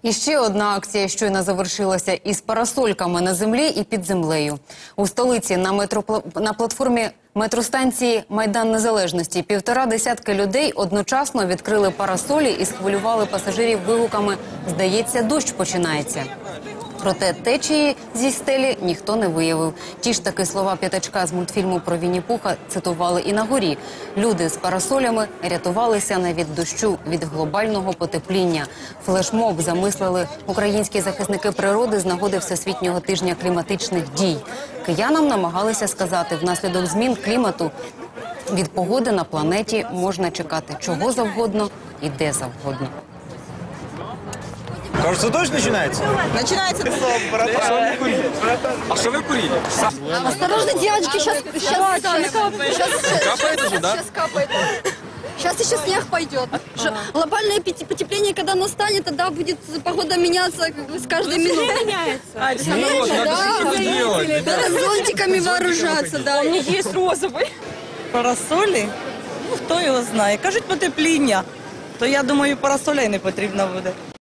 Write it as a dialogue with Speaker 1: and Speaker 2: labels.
Speaker 1: І ще одна акція щойно завершилася із парасольками на землі і під землею. У столиці на платформі метростанції «Майдан Незалежності» 1,5 десятки людей одночасно відкрили парасолі і схвилювали пасажирів вигуками «Здається, дощ починається». Проте течії зі стелі ніхто не виявив. Ті ж таки слова п'ятачка з мультфільму про Вінні-Пуха цитували і на горі. Люди з парасолями рятувалися не від дощу, від глобального потепління. Флешмоб замислили українські захисники природи з нагоди Всесвітнього тижня кліматичних дій. Киянам намагалися сказати, внаслідок змін клімату від погоди на планеті можна чекати чого завгодно і де завгодно.
Speaker 2: Кажется, дождь начинается?
Speaker 3: Начинается.
Speaker 2: А что вы курили?
Speaker 4: Осторожно, девочки, сейчас
Speaker 2: Капает уже, да?
Speaker 4: Сейчас капает. Сейчас еще снег пойдет. Глобальное потепление, когда настанет, тогда будет погода меняться с каждой минутой. Надо зонтиками вооружаться, да.
Speaker 3: У них є розовий. Парасолі? Ну, хто його знає. Кажуть, потепління. То я думаю, парасоля й не потрібно буде.